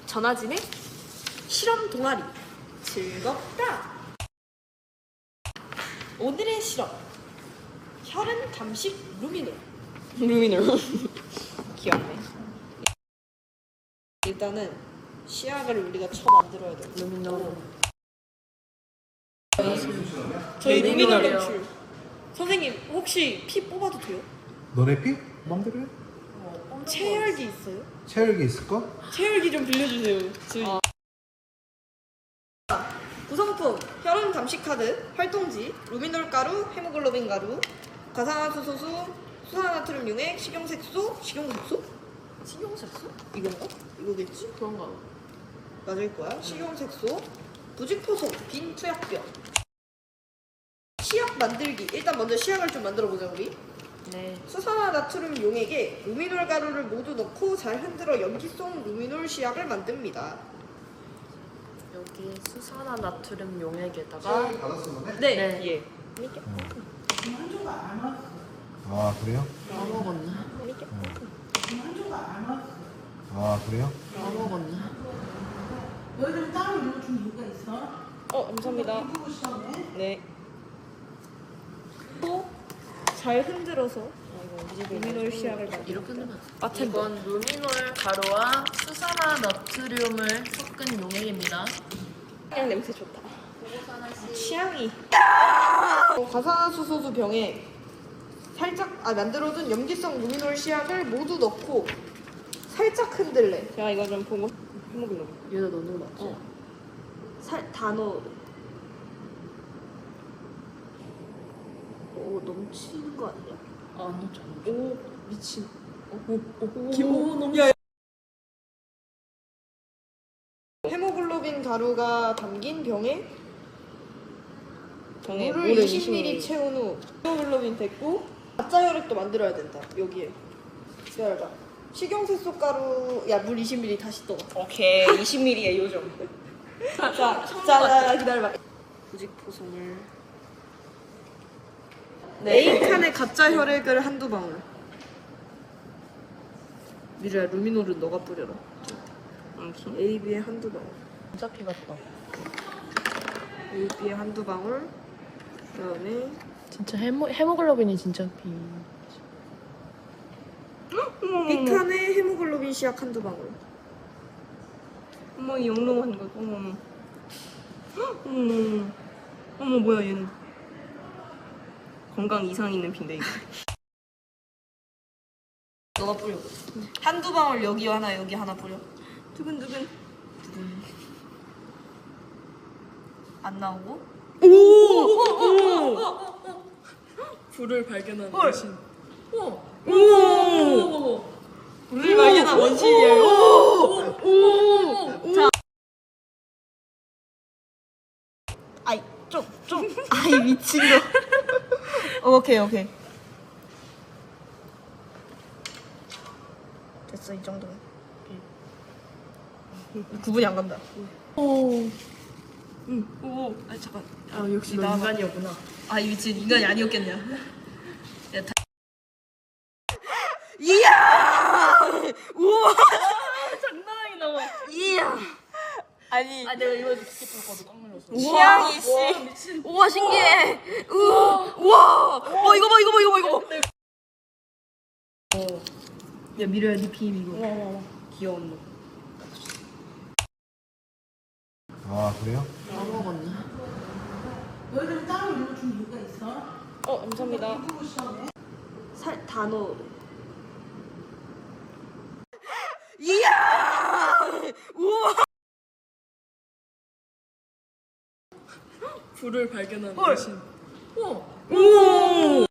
전화진의 실험 동아리 즐겁다. 오늘의 실험 혈흔 감식 루미놀. 귀엽네. 일단은 시약을 우리가 만들어야 돼. 루미놀. 저희 루미놀 루미놀이요. 검출. 선생님 혹시 피 뽑아도 돼요? 너네 피? 맘대로 해. 체열기 있어요? 체열기 있을까? 체열기 좀 빌려주세요. 저희. 구성품 혈흔 감식 카드, 활동지, 루미놀 가루, 헤모글로빈 가루, 과산화수소수, 수산화나트륨 용액, 식용색소, 식용색소? 이건가? 이거겠지? 그런가 봐. 맞을 거야. 식용색소, 부직포송, 빈 투약병. 시약 만들기. 일단 먼저 시약을 좀 만들어 보자 우리. 네. 수산화나트륨 용액에 루미놀 가루를 모두 넣고 잘 흔들어 염기성 루미놀 시약을 만듭니다. 여기 수산화나트륨 용액에다가 체열기 받았어 너네? 네. 네. 예. 아 그래요? 까먹었나? 아 그래요? 까먹었나? 너희들은 따로 읽어준 이유가 있어? 감사합니다. 이쁘고 시험에? 네. 또 잘 흔들어서 루미놀 시약을 만듭니다. 이렇게 넣으면 바텐더. 이건 루미놀 가루와 수산화나트륨을 섞은 용액입니다. 그냥 냄새 좋다. 취향이. 과산화수소수 병에 살짝 만들어둔 염기성 루미놀 시약을 모두 넣고 살짝 흔들래. 제가 이거 좀 보고 헤모글로빈. 여기다 넣는 거 맞지? 다 넣어. 오 넘치는 거 아니야? 안 넘쳐. 오 미친. 오 너무 헤모글로빈 가루가 담긴 병에 물을 물을 20ml 채운 후 헤모글로빈 됐고 가짜 혈액도 만들어야 된다. 여기에 기다려봐. 식용색소 가루 물 20ml 다시 떠. 오케이 20ml의 요정. 자 기다려봐. 부직포송을 A칸에 가짜 혈액을 한두 방울. 미주야 루미놀은 너가 뿌려라. A, B에 한두 방울. 진짜 피 같다. A, B에 한두 방울. 그다음에 진짜 헤모글로빈이 진짜 피. B칸에 헤모글로빈 시약 한두 방울. 어머 이 영롱한 거 어머 어머 어머 뭐야 얘는 건강 이상 있는 빈대 이거 너가 뿌려. 한두 방울 여기 하나 여기 하나 뿌려. 두근두근 안 나오고. 불을 발견한 헐. 여신. 우리 발견한 원시예요. 자. 아이 좀 아이 미친 거. 오케이. 됐어 이 정도면. 구분이 안 간다. 오. 아니 잠깐. 아 역시 너 나와봐. 인간이었구나. 아, 이 미친 인간이 아니었겠냐? 야, 이야! 우와! 장난 아니다. 이야! 아니, 내가 이거 스킵할 거도 깜 놀랐어. 취향이 씨. 우와, 신기해. 우와! 이거 봐. 야 미래야 네 비임 이거 귀여운 놈 아 그래요? 까먹었나? 너희들은 따로 읽어준 이유가 있어? 감사합니다. 이쁘고 시험에? 다 넣어. 이야! 우와! 불을 발견한 헐. 여신. 오!